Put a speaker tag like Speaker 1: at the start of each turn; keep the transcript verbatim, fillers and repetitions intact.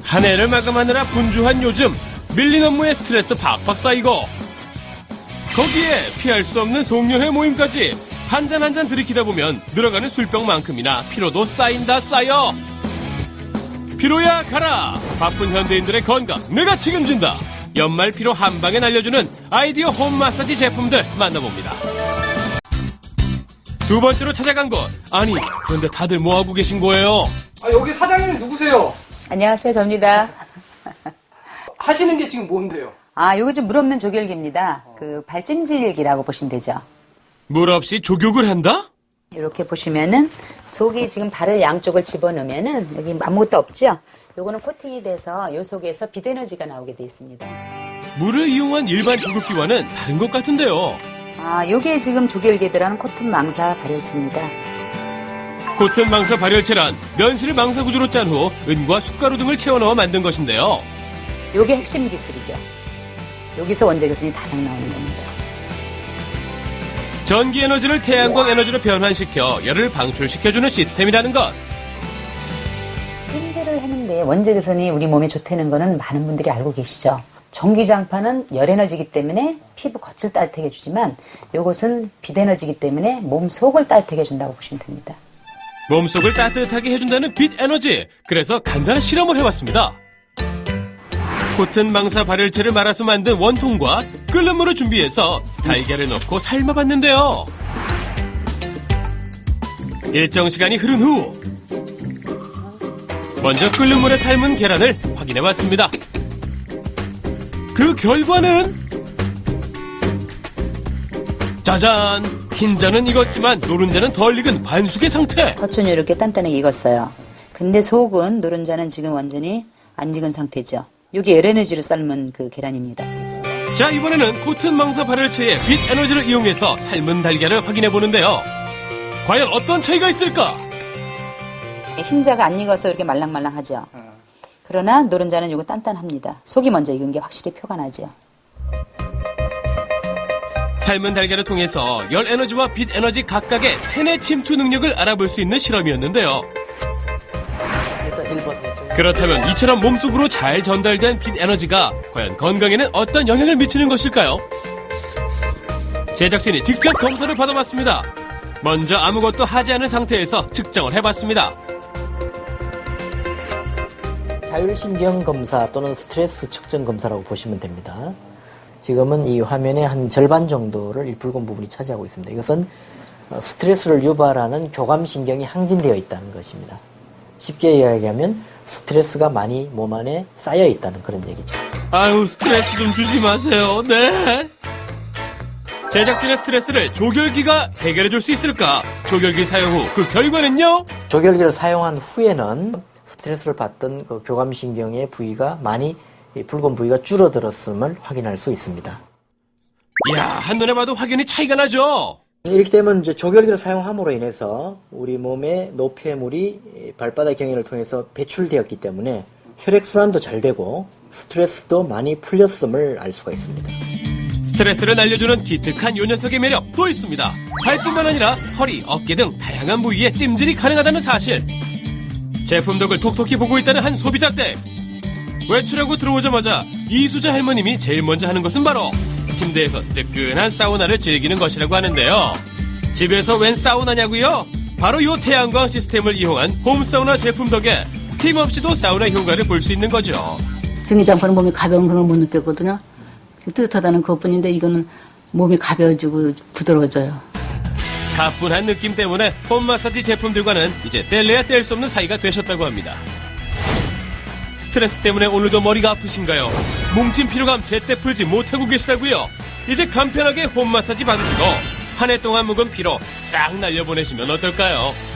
Speaker 1: 한 해를 마감하느라 분주한 요즘 밀린 업무에 스트레스 팍팍 쌓이고 거기에 피할 수 없는 송년회 모임까지 한 잔 한 잔 들이키다 보면 늘어가는 술병만큼이나 피로도 쌓인다 쌓여. 피로야 가라. 바쁜 현대인들의 건강 내가 책임진다. 연말 피로 한 방에 날려주는 아이디어 홈 마사지 제품들 만나봅니다. 두 번째로 찾아간 곳. 아니 그런데 다들 뭐하고 계신 거예요?
Speaker 2: 아, 여기 사장님이 누구세요?
Speaker 3: 안녕하세요, 접니다.
Speaker 2: 하시는 게 지금 뭔데요?
Speaker 3: 아, 요거 좀 물 없는 조결기입니다. 그 발찜질기라고 보시면 되죠.
Speaker 1: 물 없이 조격을 한다?
Speaker 3: 이렇게 보시면은 속이 지금 발을 양쪽을 집어넣으면은 여기 아무것도 없죠? 요거는 코팅이 돼서 요 속에서 빛에너지가 나오게 돼 있습니다.
Speaker 1: 물을 이용한 일반 조격기와는 다른 것 같은데요.
Speaker 3: 아, 요게 지금 조결기에 들어가는 코튼 망사 발열체입니다.
Speaker 1: 코튼 망사 발열체란 면실을 망사 구조로 짠 후 은과 숟가루 등을 채워넣어 만든 것인데요.
Speaker 3: 요게 핵심 기술이죠. 여기서 원자교선이 다량 나오는 겁니다.
Speaker 1: 전기 에너지를 태양광 에너지로 변환시켜 열을 방출시켜주는 시스템이라는 것.
Speaker 3: 찜질을 하는데 원자교선이 우리 몸에 좋다는 거는 많은 분들이 알고 계시죠. 전기장판은 열에너지이기 때문에 피부 겉을 따뜻하게 해주지만 요것은 빛에너지이기 때문에 몸 속을 따뜻하게 해준다고 보시면 됩니다.
Speaker 1: 몸속을 따뜻하게 해준다는 빛 에너지. 그래서 간단한 실험을 해봤습니다. 코튼 망사 발열체를 말아서 만든 원통과 끓는 물을 준비해서 달걀을 넣고 삶아봤는데요. 일정 시간이 흐른 후 먼저 끓는 물에 삶은 계란을 확인해봤습니다. 그 결과는 짜잔! 흰자는 익었지만 노른자는 덜 익은 반숙의 상태.
Speaker 3: 겉은 이렇게 단단하게 익었어요. 근데 속은 노른자는 지금 완전히 안 익은 상태죠. 이게 열에너지로 삶은 그 계란입니다.
Speaker 1: 자, 이번에는 코튼 망사 발열체의 빛 에너지를 이용해서 삶은 달걀을 확인해보는데요. 과연 어떤 차이가 있을까?
Speaker 3: 흰자가 안 익어서 이렇게 말랑말랑하죠. 그러나 노른자는 이거 단단합니다. 속이 먼저 익은 게 확실히 표가 나죠.
Speaker 1: 삶은 달걀을 통해서 열 에너지와 빛 에너지 각각의 체내 침투 능력을 알아볼 수 있는 실험이었는데요.
Speaker 2: 일단 일 번.
Speaker 1: 그렇다면 이처럼 몸속으로 잘 전달된 빛 에너지가 과연 건강에는 어떤 영향을 미치는 것일까요? 제작진이 직접 검사를 받아봤습니다. 먼저 아무것도 하지 않은 상태에서 측정을 해봤습니다.
Speaker 4: 자율신경 검사 또는 스트레스 측정 검사라고 보시면 됩니다. 지금은 이 화면의 한 절반 정도를 이 붉은 부분이 차지하고 있습니다. 이것은 스트레스를 유발하는 교감신경이 항진되어 있다는 것입니다. 쉽게 이야기하면 스트레스가 많이 몸 안에 쌓여 있다는 그런 얘기죠.
Speaker 1: 아유, 스트레스 좀 주지 마세요. 네. 제작진의 스트레스를 조결기가 해결해줄 수 있을까? 조결기 사용 후 그 결과는요?
Speaker 4: 조결기를 사용한 후에는 스트레스를 받던 그 교감신경의 부위가 많이 이 붉은 부위가 줄어들었음을 확인할 수 있습니다.
Speaker 1: 이야, 한눈에 봐도 확연히 차이가 나죠?
Speaker 4: 이렇게 되면 이제 조결기를 사용함으로 인해서 우리 몸의 노폐물이 발바닥 경혈을 통해서 배출되었기 때문에 혈액순환도 잘 되고 스트레스도 많이 풀렸음을 알 수가 있습니다.
Speaker 1: 스트레스를 날려주는 기특한 요 녀석의 매력 또 있습니다. 발뿐만 아니라 허리, 어깨 등 다양한 부위에 찜질이 가능하다는 사실. 제품 덕을 톡톡히 보고 있다는 한 소비자 때 외출하고 들어오자마자 이수자 할머님이 제일 먼저 하는 것은 바로 침대에서 뜨끈한 사우나를 즐기는 것이라고 하는데요. 집에서 웬 사우나냐고요? 바로 이 태양광 시스템을 이용한 홈사우나 제품 덕에 스팀 없이도 사우나 효과를 볼 수 있는 거죠.
Speaker 5: 전기장판은 몸이 가벼운 그런 걸 못 느꼈거든요. 뜨뜻하다는 그것뿐인데 이거는 몸이 가벼워지고 부드러워져요.
Speaker 1: 가뿐한 느낌 때문에 홈 마사지 제품들과는 이제 뗄래야 뗄 수 없는 사이가 되셨다고 합니다. 스트레스 때문에 오늘도 머리가 아프신가요? 뭉친 피로감 제때 풀지 못하고 계시다고요? 이제 간편하게 홈 마사지 받으시고 한 해 동안 묵은 피로 싹 날려보내시면 어떨까요?